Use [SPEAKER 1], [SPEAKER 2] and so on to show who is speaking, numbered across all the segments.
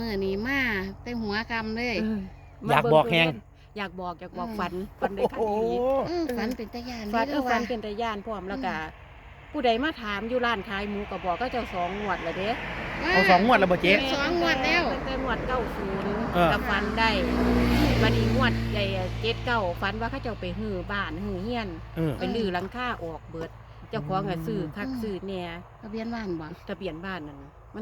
[SPEAKER 1] อนี่มาแต่หัวกำเลย
[SPEAKER 2] อยากบอกแฮง
[SPEAKER 3] อยากบอกฝันได้คันดี
[SPEAKER 1] ฝันเป็นตะยาน
[SPEAKER 3] ฝัน
[SPEAKER 1] ด้อ
[SPEAKER 3] ฝั
[SPEAKER 1] ว่าน
[SPEAKER 3] เป็นตาย่านพร้อมแล้วก็ผู้ใดมาถามอยู่ร้านขายหมูก็บอกก็เจ้า2 งวดแล้วเด้
[SPEAKER 2] เอา2 งวดแล้วบ่เจ๊
[SPEAKER 1] สองงวดแล้ว
[SPEAKER 3] ตั้งแต่งวด
[SPEAKER 2] เออ
[SPEAKER 3] 90ก็ฝันได้บัดนี้งวดใหญ่79ฝันว่าเขาเจ้าไปฮื้อบ้านฮื้อเฮียน ไปลื้อหลังคาออกเบิด เจ้าของก็ซื้อคักซื้อแหน่
[SPEAKER 1] ทะเบียนบ้านบ่
[SPEAKER 3] ทะเบียนบ้านนั่นมัน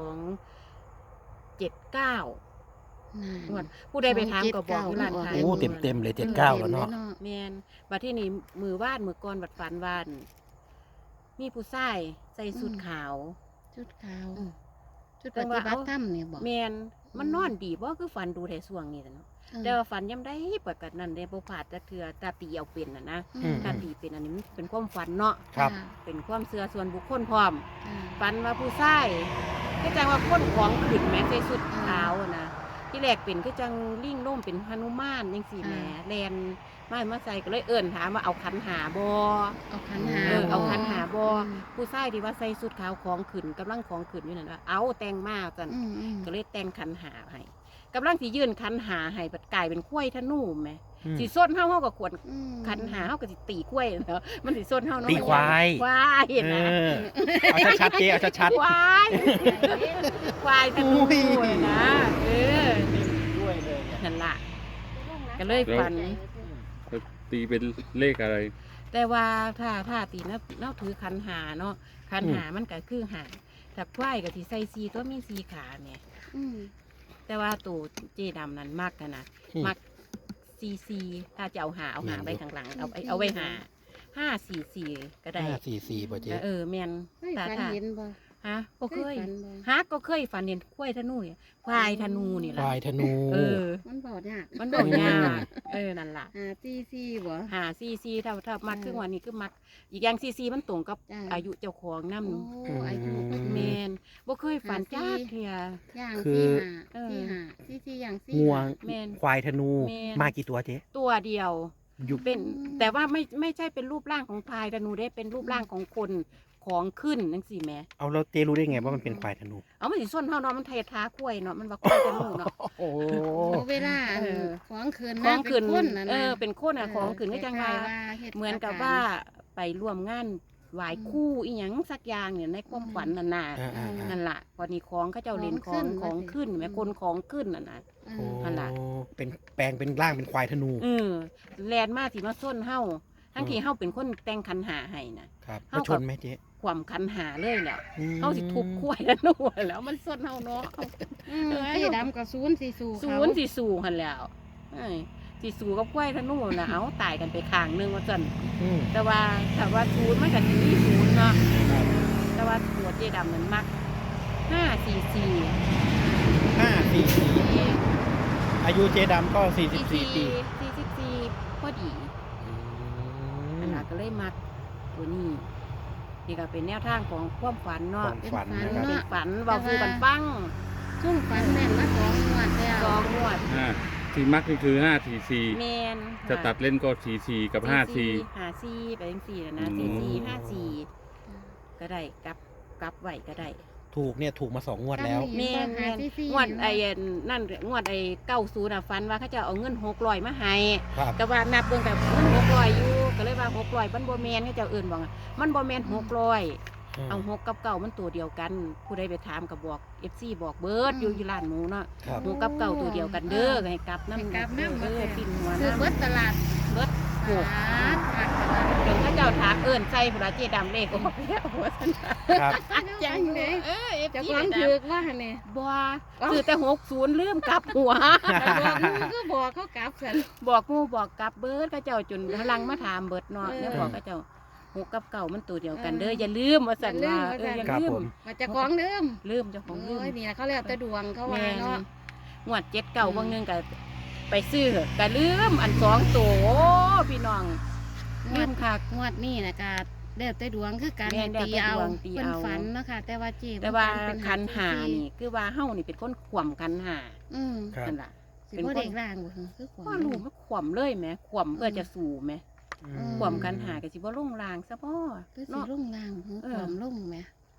[SPEAKER 3] 279งวดผู้ใดไปถามก็บอกอยู่ร้านขาย
[SPEAKER 2] โอ้เต็มเลย79แล้วเนาะ
[SPEAKER 3] แม่นบัดที่นี่มือก่อนบัดฝันวานมีผู้ชายใส่สุดขาว
[SPEAKER 1] ชุดขาว
[SPEAKER 3] อืม
[SPEAKER 1] ชุดปฏิบัติธรรมเนี่ยบ่
[SPEAKER 3] แม่นมันนอนดีบ่คือฝันดูแต่ช่วงนี้แหละเนาะแต่ว่าฝันย่ำได้ปกตินั่นเด้บ่พลาดจักเทื่อตาตีเอาเป็นน่ะนะ ตาตีเป็นอันนี้มันเป็นความฝันเนาะ
[SPEAKER 2] ครับ
[SPEAKER 3] เป็นความเชื่อส่วนบุคคลพร้อม
[SPEAKER 1] ค่ะ
[SPEAKER 3] ฝันว่าผู้ชายคือจังว่าคนของขึ้นแหม้ใส่สุดขาวอะนะที่แรกเป็นคือจังลิงล่มเป็นหนุมานจังซี่แหมแลนมาใส่ก็เลยเอิ้นถามว่าเอาขันหาบ่
[SPEAKER 1] เอาขันหา
[SPEAKER 3] เอาขันหาบ่ผู้ชายที่ว่าใส่สุดขาวของขึ้นกำลังของขึ้นอยู่นั่นว่าเอาแต่งมาจัน ก็เลยแต่งขันหาให้กำลังสิยื่นขันหาให้บัดกลายเป็นข้วยทะนูแหมสิส้นเฮาก็ขวดขันหาเฮาก็สิตีข้วยเนาะมันสิส้นเฮาเนาะ
[SPEAKER 2] ตีควาย
[SPEAKER 3] ควายเห็นนะ
[SPEAKER 2] เอาชัดๆเจ๊เอาชัด
[SPEAKER 3] ควายควายทะนูนะ
[SPEAKER 2] ด้วยเลย
[SPEAKER 3] นั่นล่ะก็เลยฝัน
[SPEAKER 4] ตีเป็นเลขอะไร
[SPEAKER 3] แต่ว่าถ้าตีนับถือขันหาเนาะขันหามันก็คือหาถ้าควายก็สิใส่4ตัวมี4ขาแหมแต่ว่าตู่เจดำนั้นมักกันนะมักซีถ้าจะเอาหาไว้ข้างหลังเอาไว้544ก็ได้
[SPEAKER 2] 544บ่เจ๊
[SPEAKER 3] แม่น
[SPEAKER 1] ฝันเห็นบ่
[SPEAKER 3] ฮะก็เคย
[SPEAKER 1] ฝันบ่
[SPEAKER 3] ฮะก็เคยฝันเห็นควายธนูเนี่ยควายธนูนี่
[SPEAKER 2] ค
[SPEAKER 3] ล่ะ
[SPEAKER 2] วายธนู
[SPEAKER 1] มันบ่ยาก
[SPEAKER 3] มันบ่ยากนั่นล่ะ
[SPEAKER 1] ซีบ่
[SPEAKER 3] หาซีถ้ามักคือวันนี้คือมักอีกอย่างซีมันตรงกับ
[SPEAKER 1] จ้ะ
[SPEAKER 3] อายุเจ้าของนำ
[SPEAKER 1] โอ้อายุก็
[SPEAKER 3] แม่นบ่เคยฝันจ้าเทีย
[SPEAKER 1] ย่าง
[SPEAKER 2] คือ
[SPEAKER 1] สี่หาสี่อย่างสี่
[SPEAKER 2] งวง
[SPEAKER 3] แม่น
[SPEAKER 2] ควายธนู
[SPEAKER 3] แม่น
[SPEAKER 2] มากี่ตัวเจ๊
[SPEAKER 3] ตัวเดียว
[SPEAKER 2] อยู่
[SPEAKER 3] เป็นแต่ว่าไม่ใช่เป็นรูปร่างของพายธนูได้เป็นรูปร่างของคนของขึ้นจังซี่แหม
[SPEAKER 2] เอาแล้วเจ๊รู้ได้ไงว่ามันเป็นควายธนู
[SPEAKER 3] เอามันสิส้นเฮาเนาะมันไทยท้าคุ้ยเนาะมันว่าคุ้ยธนูเนาะ
[SPEAKER 2] โอ้
[SPEAKER 1] เวลาของคืน
[SPEAKER 3] ของขึ้น
[SPEAKER 1] คนน่ะนะ
[SPEAKER 3] เป็นคนอ่ะของขึ้นก็จังว่าเหมือนกับว่าไปร่วมงานไหว้ครู่อีหยังสักอย่างเนี่ยในความฝันนั่นน่ะ นั่นล่ะพอนี้ของเขาเจ้าเล่นของขึ้นแม่คนของขึ้นน่ะนะ
[SPEAKER 2] โอ้
[SPEAKER 3] นั่นล่ะ
[SPEAKER 2] เป็นแปลงเป็นร่างเป็นควายธนู
[SPEAKER 3] แลนมาสิมาส้นเฮาทั้งที่เฮาเป็นคนแต่งขันหาให้นะครับ
[SPEAKER 2] มาชนไหมเจ๊
[SPEAKER 3] ความขันหาเลยแหล้ว
[SPEAKER 2] อืม
[SPEAKER 3] เฮาสิทุบคุ้ยแล้วนู่นแล้วมันส้นเฮาเนาะ
[SPEAKER 1] สีดำกับศูนย์สี่สู
[SPEAKER 3] ศูนย์สิสู่หั่นแล้วสิสู่กับคุ้ยทะนู่นน่ะเอาตายกันไปข้างนึงว่าซั่น
[SPEAKER 2] อืม
[SPEAKER 3] แต่ว่าถ้าว่าศูนย์มันก็สิมีศูนย์เนาะแต่ว่าตัวเจดำมันมัก544
[SPEAKER 2] 544อายุเจ๊ดำก็44ปี
[SPEAKER 3] 44พอดีอันนั้นก็เลยมักตัวนี้นี่ก็เป็นแนวทางของความฝัน
[SPEAKER 2] ค
[SPEAKER 3] เนาะ
[SPEAKER 2] วามฝันนะครับ
[SPEAKER 3] เป็นฝันเว้าสู่กันฟัง
[SPEAKER 1] ซุ่มฝันแม่นมาสองงวดแล้ว
[SPEAKER 3] 2งวด
[SPEAKER 4] ที่มักนี่คือ544
[SPEAKER 3] แม่น
[SPEAKER 4] จะตัดเล่นก็44กับ54
[SPEAKER 3] 54ไปจังซี่นะ
[SPEAKER 4] อืม
[SPEAKER 3] 4454ก็ได้กลับไว้ก็ได้
[SPEAKER 2] ถูกเนี่ยถูกมา2 งวดแล้ว
[SPEAKER 3] แม่นงวดไอ้นั่นงวดไอ้90น่ะฝันว่าเขาจะเอาเงิน600มาให้
[SPEAKER 2] ครับ
[SPEAKER 3] แต่ว่านับเบิ่งกับเงิน600อยู่ก็เลยว่า600มันบ่แม่นเขาเจ้าเอิ้นว่ามันบ่แม่น600เอา6กับ9มันตัวเดียวกัน ผู้ใดไปถามก็บอก FC บอกเบิดอยู่ร้านหมูเนาะ
[SPEAKER 2] ครับ
[SPEAKER 3] 6กับ9ตัวเดียวกันเด้อให้กลับนำ
[SPEAKER 1] กลับน้ำ
[SPEAKER 3] ปิ่นหัว
[SPEAKER 1] ซื้อ
[SPEAKER 3] น้ำ
[SPEAKER 1] เบิดตลาด
[SPEAKER 3] เบิด
[SPEAKER 1] โอ้ขาด
[SPEAKER 3] จนเขาเจ้าถามเอิ้นใส่ผู้ละเจดำเลขออกแล้วว่าซั่น
[SPEAKER 2] ครับ
[SPEAKER 1] จังเลย
[SPEAKER 3] FC
[SPEAKER 1] จะความถือกว่าเนี่ย
[SPEAKER 3] บ่คือแต่60ลืมกลับหัว
[SPEAKER 1] ก็บอกเขากลับสัน
[SPEAKER 3] บอกหมู่บอกกลับเบิดเขาเจ้าจนพลังมาถามเบิดเนาะ
[SPEAKER 1] เออ
[SPEAKER 3] แล้วบอกเขาเจ้า6กับ9มันตัวเดียวกันเด้ออย่าลืมว่าซั่นว่าอย่า
[SPEAKER 2] ครับ
[SPEAKER 3] ลื
[SPEAKER 2] ผม ม
[SPEAKER 1] มาจากของเดิม
[SPEAKER 3] ลืมเจ้าของลืม
[SPEAKER 1] โอ้ยนี่นะเขาเรียกแต่ดวงเขาว่า
[SPEAKER 3] แม่น
[SPEAKER 1] เนาะ
[SPEAKER 3] งวด7-9บางนึงก็ไปซื้อก็ลืมอัน2ตัวโอ้พี่น้องลืมคัก
[SPEAKER 1] งวดนี่นะกะแล้วแต่ดวงคือการ
[SPEAKER 3] แม่นแล้ว
[SPEAKER 1] ตี
[SPEAKER 3] แต่
[SPEAKER 1] เอา
[SPEAKER 3] ดวงตี
[SPEAKER 1] เป็น
[SPEAKER 3] เอา
[SPEAKER 1] ฝันเนาะค่ะแต่ว่าจี
[SPEAKER 3] แต่ว่าคันหานี่คือว่าเฮานี่เป็นคนขวมคันหา
[SPEAKER 2] ครับ
[SPEAKER 3] นั่นล่ะ
[SPEAKER 1] สิบ่เด็กร่างบ่คือขวา
[SPEAKER 3] ว่ารู้มันขวมเลยแหมขวมเพื่อจะสู่แหม
[SPEAKER 2] อืม
[SPEAKER 3] ขวมคันหาก็สิบ่ลงรางซะบ่
[SPEAKER 1] คือสิ
[SPEAKER 3] เนาะ
[SPEAKER 1] ลงล่างคือ
[SPEAKER 3] เออ
[SPEAKER 1] ความลงแหม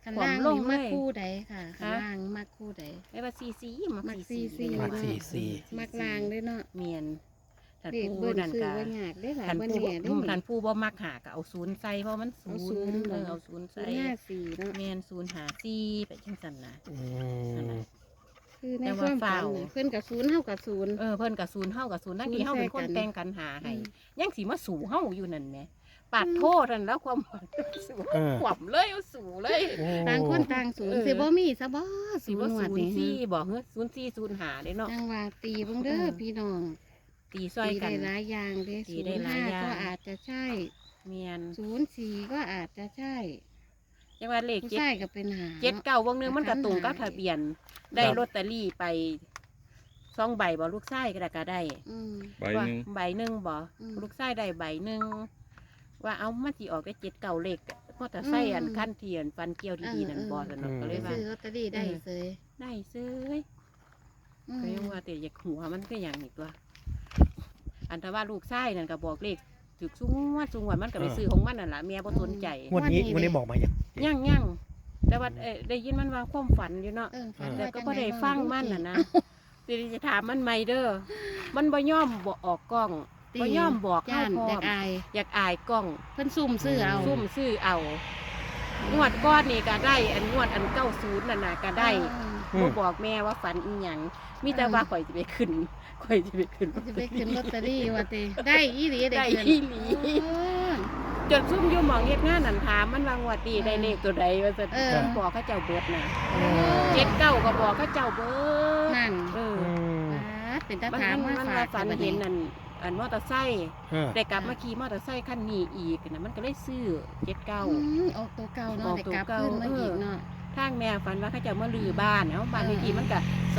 [SPEAKER 1] คันล่าง
[SPEAKER 3] ลง
[SPEAKER 1] นี่
[SPEAKER 3] เล
[SPEAKER 1] มัก
[SPEAKER 3] ย
[SPEAKER 1] คู่ใดค่ะคัน
[SPEAKER 3] ฮะ
[SPEAKER 1] ล่างมักคู่ใด
[SPEAKER 3] ไอ้ว่าซีซีมัก
[SPEAKER 1] มัก
[SPEAKER 3] ซี
[SPEAKER 1] ซี
[SPEAKER 2] มักซีซี
[SPEAKER 1] มักล่างด้วยเนาะ
[SPEAKER 3] เมียนท่าน
[SPEAKER 1] เด็ก
[SPEAKER 3] ผู้
[SPEAKER 1] เบิ่น
[SPEAKER 3] นั่น
[SPEAKER 1] ซื้อ
[SPEAKER 3] ก็
[SPEAKER 1] ว่ายากได้หลาย
[SPEAKER 3] ท่าน
[SPEAKER 1] บ่
[SPEAKER 3] ผู้
[SPEAKER 1] แน่ได้
[SPEAKER 3] ท่านผู้บ่มักหาก็เอาศูนย์ใส่เพราะมันศู
[SPEAKER 1] เอา
[SPEAKER 3] น
[SPEAKER 1] ศูนย์
[SPEAKER 3] ย์
[SPEAKER 1] บ่
[SPEAKER 3] เอาศูนย์ใส่
[SPEAKER 1] 54เนาะ
[SPEAKER 3] เมียนศูนย์หาซีไปจังซั่นนะ
[SPEAKER 2] อื
[SPEAKER 3] นั่น
[SPEAKER 2] ม
[SPEAKER 3] น่ะ
[SPEAKER 1] คือใน
[SPEAKER 3] แต่
[SPEAKER 1] ค
[SPEAKER 3] ว่า
[SPEAKER 1] วามฝัน
[SPEAKER 3] ฝ้าว
[SPEAKER 1] น่ะเพิ่นกับศูนย์เฮากับศูนย์
[SPEAKER 3] เพิ่นกับศูนย์เฮากับศูนย์ทั้งที่เฮาเป็นคน
[SPEAKER 1] ศูนย์ใส่กัน
[SPEAKER 3] แต่งกันหาให้
[SPEAKER 1] อืม
[SPEAKER 3] ยังสิมาสู่เฮาอยู่นั่นแหมปาดโทษนั่นแล้วความหวังสู่
[SPEAKER 2] เออ
[SPEAKER 3] ขวบเลยเอาสู่เลย
[SPEAKER 2] โอ้
[SPEAKER 1] ต่างคนต่างศูนย์สิบ่มีซะบ่
[SPEAKER 3] สิ
[SPEAKER 1] ศูน
[SPEAKER 3] ว่า
[SPEAKER 1] ย์หวด
[SPEAKER 3] ศูน
[SPEAKER 1] นี่
[SPEAKER 3] ย์สี่บอกเฮ้ยศูนย์สี่ศูนย์หาเด้เนาะ
[SPEAKER 1] จังว่าตีเบิ่งเด้อพี่น้อง
[SPEAKER 3] ตีซอย
[SPEAKER 1] ตี
[SPEAKER 3] กั
[SPEAKER 1] ได้
[SPEAKER 3] น
[SPEAKER 1] หลายอย่างเด้
[SPEAKER 3] ตีได้หลายอย่าง
[SPEAKER 1] 05ก็อาจจะใช่
[SPEAKER 3] เมียน
[SPEAKER 1] 04ก็อาจจะใช่
[SPEAKER 3] จังว่าเลข
[SPEAKER 1] ผู้
[SPEAKER 3] เจ็ด
[SPEAKER 1] ชายก็เป็นหา
[SPEAKER 3] เจ็ด
[SPEAKER 1] เนาะ
[SPEAKER 3] เก้าวงหนึงมันก็ตรงกับ
[SPEAKER 1] ขันหา
[SPEAKER 3] ทะเบียน ได้ลอตเตอรี่ไป2 ใบบ่ลูกชายก็ได้
[SPEAKER 1] อืม
[SPEAKER 4] ใบหนึ่ง
[SPEAKER 3] ว่าใบหนึ่งบ่
[SPEAKER 1] อืม
[SPEAKER 3] ลูกชายได้ใบหนึ่งว่าเอามาสิออกได้7 9เลขเพราะแต่ใส่อัน
[SPEAKER 1] อืม
[SPEAKER 3] ขั้นเทียนฟันเกี่ยวดีๆนั่นบ่สนุกก็เลยว่า
[SPEAKER 1] ซื้อลอตเตอรี่ได้เสย
[SPEAKER 3] ได้ซื้อ
[SPEAKER 1] อืม
[SPEAKER 3] ก็ยังว่าแต่อยากหัวมันก็อย่างนี้ตัว อันถ้าว่าลูกชายนั่นก็บอกเลขถึกสูงวัดมันก็ไปซื้อของมันนั่นแหละเมียบ่สนใจ
[SPEAKER 2] งวดนี้บอกมายัง
[SPEAKER 3] ยั่งแต่ว่าได้ยินมันว่าความฝันอยู่เนาะ
[SPEAKER 1] ฝัน
[SPEAKER 3] แต่
[SPEAKER 1] ว่า
[SPEAKER 3] ก็
[SPEAKER 1] จั
[SPEAKER 3] บ่
[SPEAKER 1] ง
[SPEAKER 3] ได้
[SPEAKER 1] ใบ้า
[SPEAKER 3] ฟังมันน่ะนะสิจะถามมันใหม่เด้อมันบ่ยอมบ่ออกกล้อง
[SPEAKER 1] ตี
[SPEAKER 3] บ่ยอมบอก
[SPEAKER 1] ย่าน
[SPEAKER 3] เฮาพร้
[SPEAKER 1] อ
[SPEAKER 3] อย
[SPEAKER 1] าม กอาย
[SPEAKER 3] อยากอายกล้อง
[SPEAKER 1] เพิ่นซุ่มซื้อเอา
[SPEAKER 3] ซุ่มซื้อเอางวดก้อนนี่ก็ได้อันงวดอัน90นั่นน่ะก็ได้
[SPEAKER 2] อืม
[SPEAKER 3] บ่บอกแม่ว่าฝันอีหยังมีแต่ว่าข่อยจะไปขึ้นข่อยจะไปขึ้น
[SPEAKER 1] จะไปขึ้นลอตเตอรี่ว่าติได้อีหลี
[SPEAKER 3] ได้
[SPEAKER 1] ขึ้น
[SPEAKER 3] อีหลี
[SPEAKER 1] โอ้
[SPEAKER 3] จนซุ่มอยู่หมองเฮ็ดงานนั่นถามมันว่างวดนี้ได้เลขตัวใดว่าซั่น
[SPEAKER 1] เออ
[SPEAKER 3] บอกเขาเจ้าเบิดน่ะ
[SPEAKER 2] โอ้
[SPEAKER 3] 79ก็บอกเขาเจ้าเบิด
[SPEAKER 1] นั่น
[SPEAKER 3] เออ
[SPEAKER 2] อืม
[SPEAKER 1] เป็นตา
[SPEAKER 3] มัน
[SPEAKER 1] ถาม
[SPEAKER 3] มัน
[SPEAKER 1] มา
[SPEAKER 3] มัน
[SPEAKER 1] ฝา
[SPEAKER 3] ว่าก ฝัน
[SPEAKER 1] บัด
[SPEAKER 3] เห็นนั่นอันมอเตอร์ไซค์
[SPEAKER 2] เออ
[SPEAKER 3] ได้กลับมาขี่มอเตอร์ไซค์คันนี้อีกน่ะมันก็เลยซื้อ
[SPEAKER 1] ออกตัวเก่า
[SPEAKER 3] อ
[SPEAKER 1] เนาะ
[SPEAKER 3] อก
[SPEAKER 1] ได้
[SPEAKER 3] ตัว
[SPEAKER 1] กลับ
[SPEAKER 3] เก่า
[SPEAKER 1] ขึ้นมาอีกเนาะ
[SPEAKER 3] ทางแม่ฝันว่าเขาเจะมาลือบ้านเอ้าบ้านเลขที่มันก็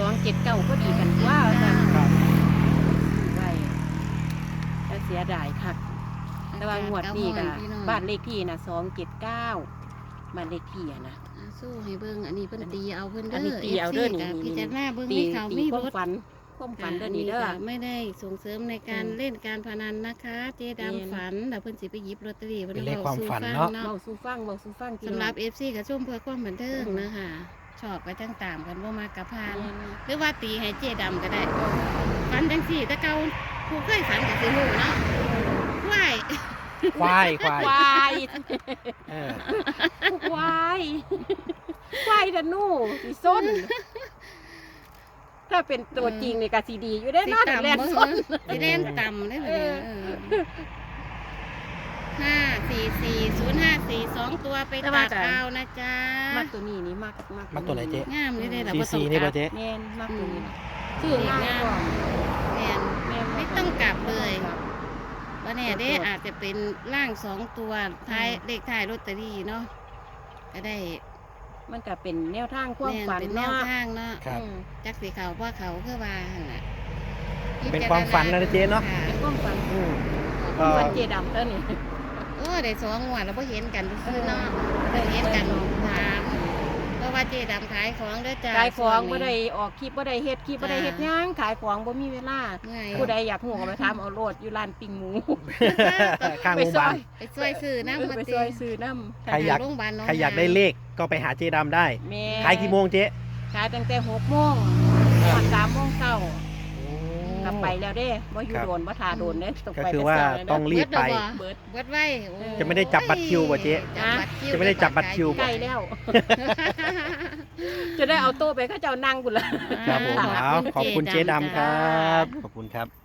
[SPEAKER 3] 279ก็ดีกันว่าซั่น
[SPEAKER 2] ครับ
[SPEAKER 3] ไว้แต่เสียดายคัก แต่ว่างวดนี้ก็บ้านเลขที่น่ะ279บ้านเลขที่อะนะ
[SPEAKER 1] สู้ให้เบิ่งอันนี้เพิ่นตีเอาเพิ่น
[SPEAKER 3] อัน
[SPEAKER 1] เด้
[SPEAKER 3] นี้
[SPEAKER 1] อ
[SPEAKER 3] ตีเอาเด้อ
[SPEAKER 1] FC
[SPEAKER 3] นี่
[SPEAKER 1] ก็พิจารณาเบิ่ง
[SPEAKER 3] ตี
[SPEAKER 1] มีเขา
[SPEAKER 3] ตี
[SPEAKER 1] มี
[SPEAKER 3] ความ
[SPEAKER 1] รถ
[SPEAKER 3] ฝันความฝันเด้อนี่เด้อ
[SPEAKER 1] ก็ไม่ได้ส่งเสริมในการ
[SPEAKER 3] อืม
[SPEAKER 1] เล่นการพนันนะคะ เจ๊
[SPEAKER 3] เรียน
[SPEAKER 1] ดำฝันแล้วเพิ่นสิไปหยิบลอตเตอรี่
[SPEAKER 2] เป็นเลข
[SPEAKER 1] ว้
[SPEAKER 2] ความ
[SPEAKER 1] สู่
[SPEAKER 2] ฝัน
[SPEAKER 1] ฟัง
[SPEAKER 2] เนาะ
[SPEAKER 3] เบาสู้ฟังพี่
[SPEAKER 1] สำหรับ
[SPEAKER 3] น้อง
[SPEAKER 1] FC ก็ชมเพื่อความบันเทิงนะคะชอบก็จังตามกันบ่มากกับพาน
[SPEAKER 3] แม่น
[SPEAKER 1] หรือว่าตีให้เจ๊ดำก็ได้ฝันจังสี่แต่เก่าผู้เคยฝันก็สิรู้เนาะว้าย
[SPEAKER 2] ควายควาย
[SPEAKER 3] ควาย
[SPEAKER 2] เออ
[SPEAKER 3] ควายควายดะนู่สิส้น ถ้าเป็นตัวจริงนี่ก็สิดีอยู่ได้
[SPEAKER 1] สิ
[SPEAKER 3] เนาะ
[SPEAKER 1] ต่ำ
[SPEAKER 3] แล่น
[SPEAKER 1] บ่
[SPEAKER 3] ส้น
[SPEAKER 1] สิเล่นต่ำได้บ่เนี่ย5440542ตัวไปตัดเอานะจ๊ะ
[SPEAKER 3] มักตัวนี้นี่มัก
[SPEAKER 2] มักตัวไหนเจ๊
[SPEAKER 1] งามนี่ได้ล่ะ
[SPEAKER 2] ซี
[SPEAKER 1] บ่ต้
[SPEAKER 2] ซี
[SPEAKER 1] อง
[SPEAKER 2] นี่
[SPEAKER 1] กลั
[SPEAKER 2] ป่ะ
[SPEAKER 1] บ
[SPEAKER 2] เจ๊
[SPEAKER 3] แม่นมักตัวนี้
[SPEAKER 1] ซื้อง่ายแม่น
[SPEAKER 3] แม่น
[SPEAKER 1] ไม่ต้องกลับเลย
[SPEAKER 3] ครับ
[SPEAKER 1] ว่าแน่เด้อาจจะเป็นร่าง2ตัวท้ายเลขท้ายลอตเตอรี่เนาะก็ได้
[SPEAKER 3] มันก็เป็นแนวทางความ
[SPEAKER 1] แม่น
[SPEAKER 3] ฝัน
[SPEAKER 1] เป็นแนว
[SPEAKER 3] เนาะ
[SPEAKER 1] ทางเนาะ
[SPEAKER 2] ครับ
[SPEAKER 3] อืม
[SPEAKER 1] จักสีเขาว่าเขาเพื่อว่าหั่นน่ะ
[SPEAKER 2] เป็นความฝันนะเจ๊เนาะ
[SPEAKER 1] ค่
[SPEAKER 3] เป็นความฝัน
[SPEAKER 2] อืม
[SPEAKER 3] ค
[SPEAKER 2] ก็
[SPEAKER 3] วามฝันเจดำเท่านี้
[SPEAKER 1] ได้2งวดแล้วบ่เห็นกันซื่อๆเนาะบ่เห็นกันถามเพราะว่าเจ๊ดำขายของเด้อจ้า
[SPEAKER 3] ขายของ
[SPEAKER 1] ช่
[SPEAKER 3] บ่
[SPEAKER 1] ว
[SPEAKER 3] ได้ออกคลิปบ่ได้เฮ็ดคลิปบ่ได้เฮ็ดหยังขายของบ่มีเวลา
[SPEAKER 1] เมื่อย
[SPEAKER 3] ผู้ใดอยากหูก็ไปถามเอาโลดอยู่ร้านปิ้งหมู
[SPEAKER 2] ข้างโรงพยาบาล
[SPEAKER 1] ไปช่วยซื้อน้ำมา
[SPEAKER 3] ไป
[SPEAKER 1] ติ
[SPEAKER 3] ซอยซื้อน้ำ
[SPEAKER 2] ใครอยาก
[SPEAKER 1] โรงพยาบาลหนอง
[SPEAKER 2] ใครอยากได้เลขก็ไปหาเจ๊ดำได้
[SPEAKER 3] แม่
[SPEAKER 2] ขายกี่โมงเจ๊
[SPEAKER 3] ขายตั้งแต่6 โมงถึง3 โมงเช้า กลับไปแล้วเด้บ่อยู่
[SPEAKER 2] ครับ
[SPEAKER 3] โดนบ่ทาโดนเด้ต้อง
[SPEAKER 2] ก็
[SPEAKER 3] ไป
[SPEAKER 2] คือ
[SPEAKER 3] แต่
[SPEAKER 2] ว่า
[SPEAKER 3] เช้าเลย
[SPEAKER 2] ต้อง
[SPEAKER 3] เด้
[SPEAKER 2] รีบไป
[SPEAKER 3] เบิด
[SPEAKER 1] เบิดไว้โอ้
[SPEAKER 2] จะไม่ได้จับบัตรคิวบ่เจ๊
[SPEAKER 1] จับบัตรคิว
[SPEAKER 2] จะไม่ได้จับบัตรคิว
[SPEAKER 3] ใกล้แล้ว จะได้เอาโต๊ะไปเขาเจ้านั่งพุ่นละ
[SPEAKER 2] ครับผมเอาขอบคุณเจ๊ดำครับ ขอบคุณครับ